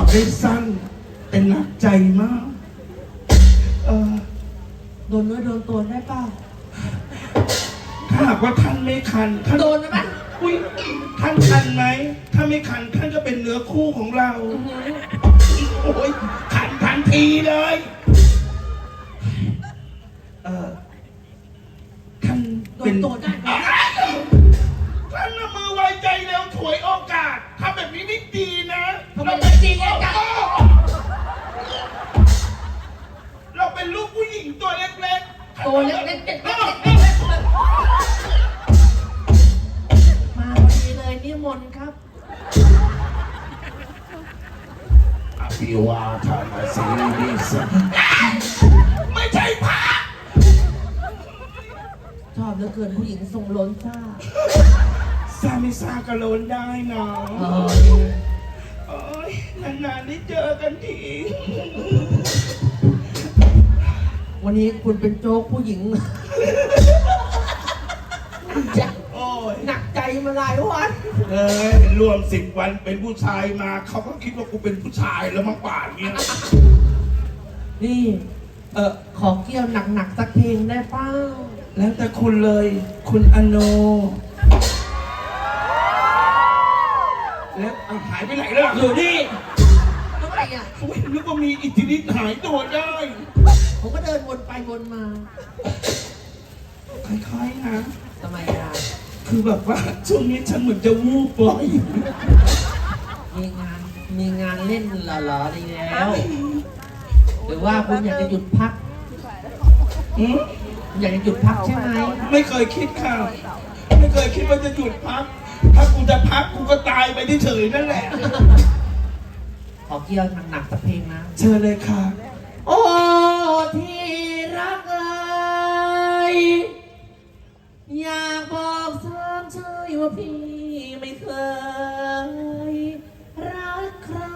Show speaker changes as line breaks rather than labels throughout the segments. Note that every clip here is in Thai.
ได้สั้นแต่หนักใจมาก
โดนเนื้อโดนตัวได้เปล่า
ถ้าหากว่าท่านไม่คันท่าน
โดนไหม
อุ้ยท่านคันไหมถ้าไม่คันท่านก็เป็นเนื้อคู่ของเราโอ้ยคันทันทีเลยท่าน
เป็นตัวได้ไหม
ท่านมือไวใจเร็วถวยโอกาสทำแบบนี้ไม่ดีนะ
เราเป็นจริงไงจ๊ะ
เราเป็นลูกผู้หญิงตัวเล็กๆ
ตัวเล็กๆเด็กมาพอดีเลยนิมนต์ครับ
อภิวาทานาสีนิสไม่ใช่พระ
ชอบเหลือเกินผู้หญิงทรงล้นซ่า
ไม่ซ่ากระโลนได้เนาะโอ้ยนานๆได้เจอกันที
วันนี้คุณเป็นโจ๊กผู้หญิง
โอ้ย
หนักใจมาหลายวัน
รวม10 วันเป็นผู้ชายมาเขาก็คิดว่ากูเป็นผู้ชายแล้วมาป่านเนี้ย
นี่ขอเกี่ยวหนักๆสักเพลงได้เปล่า
แล้วแต่คุณเลยคุณอโนแล้วหายไปไหนล่ะ
อยู่นี่ทำไมอ่ะ
ผมนึกว่ามีอิทธิฤทธิ์หายตัวได้
ผมก็เดินวนไปวนมา
คล้ายๆนะ
ทำไมอ่ะ
คือแบบว่าช่วงนี้ฉันเหมือนจะวูบบ่อย
มีงานเล่นหล่อๆดีแล้วหรือว่าคุณอยากจะหยุดพักอยากจะหยุดพักใช่ไหม
ไม่เคยคิดค่ะไม่เคยคิดว่าจะหยุดพักถ้ากูจะพักกูก็ตายไปเฉยๆนั่นแหละ
ขอเกี่ยวหนักๆสักเพลงนะ
เชิญเลยค่ะ
โอ้ที่รักเอ่ยอยากบอกสามใจว่าพี่ไม่เคยรักใคร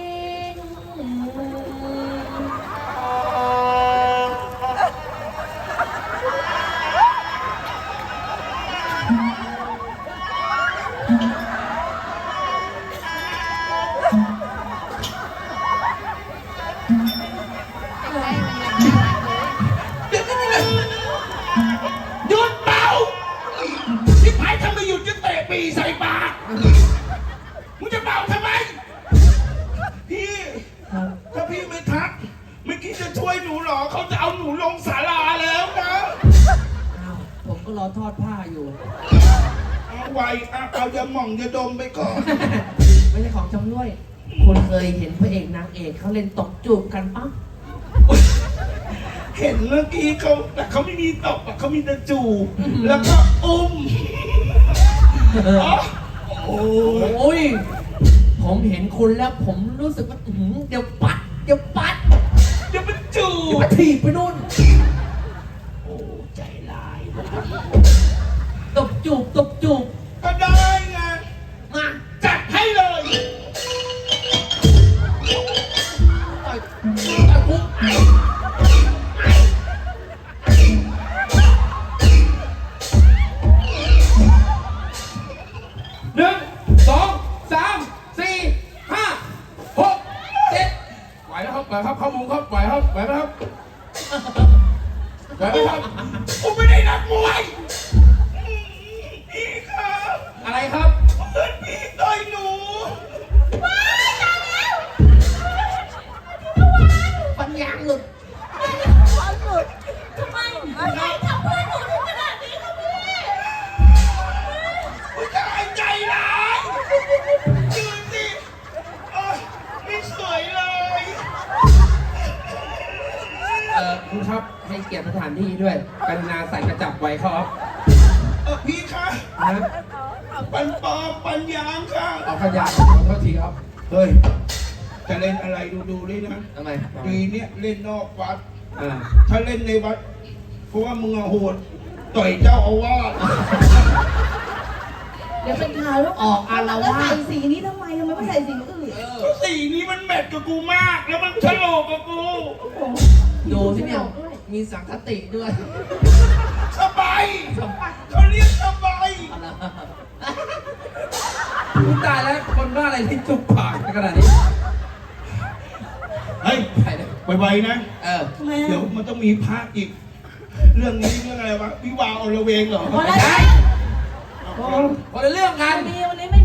หยุดเป่าที่พายทำไมหยุดจะเตะปีใส่ปากมึงจะเป่าทำไมพี่ถ้าพี่ไม่ทักไม่คิดจะช่วยหนูหรอเขาจะเอาหนูลงศาลาแล้วนะ
ผมก็รอทอดผ้าอยู่
เอาไว้เอายาหม่องยาดมไปก่อน
ไม่ใช่ของจำด้วยคุณเคยเห็นพระเอกนางเอกเขาเล่นตบจูบกันปะ
เห็นเมื่อกี้เขาแต่เขาไม่มีตบเขามีแต่จูบแล้วก็อุ้ม
โอ้ยผมเห็นคุณแล้วผมรู้สึกว่าเดี๋ยวปัด
เดี๋ยวมันจูบ
เดี๋ยวถีบไปนู่น
โอ้ใจร้าย
ตบจูบ
ก็ได้ไง
มา
จัดให้เลย
ต่อยคุก
ครับเข้ามุมครับไหวครับไหวไหมครับไหวไหมครับผมไม่ได้นักมวยพี่ครับ
อะไรครับ
เพื่อนพี่ต่อยหนู
ว้ายตายแล้วปัญญาหลุดทำไมอะไรทำเพื่อนหนูถึงขนาดนี้ครับพี่
ผู้ชายใจร้ายยืนสิไม่สวยเลย
คุณครับให้เกียรติสถานที่ด้วยกรุณาใส่กระจับไว้ครับ
พี่คะปันปอมปัญญามค่ะ
เอาขยะขอโทษทีครับ
เฮ้ยจะเล่นอะไรดูเลยนะ
ทำไม
ปีนี้เล่นนอกวัดถ้าเล่นในวัดเพราะว่ามึงโหดต่อยเจ้าอาวาส
เดี๋ยวเป็นข่าวแล้ว
ออกอารวาส
ใส่สีนี้ทำไมไม่ใส่สีอื่น
สีนี้มันแมทกับกูมากแล้วมันฉลกกับกู
ดูที่เนี่ยมีสังคติด้วย
สบายเขาเรียกสบาย
ตายแล้วคนบ้าอะไรที่จุกปากขนาดนี้
ไวๆนะ
ทำไม
เดี๋ยว
อ่ะ
มันต้องมีพระอีก เรื่องนี้เรื่องอะไรวะวิวาห์อลเวงเหรอ
วัน
ไม่
นี้
ใช่คนละเรื่องกัน
วันนี้ไม่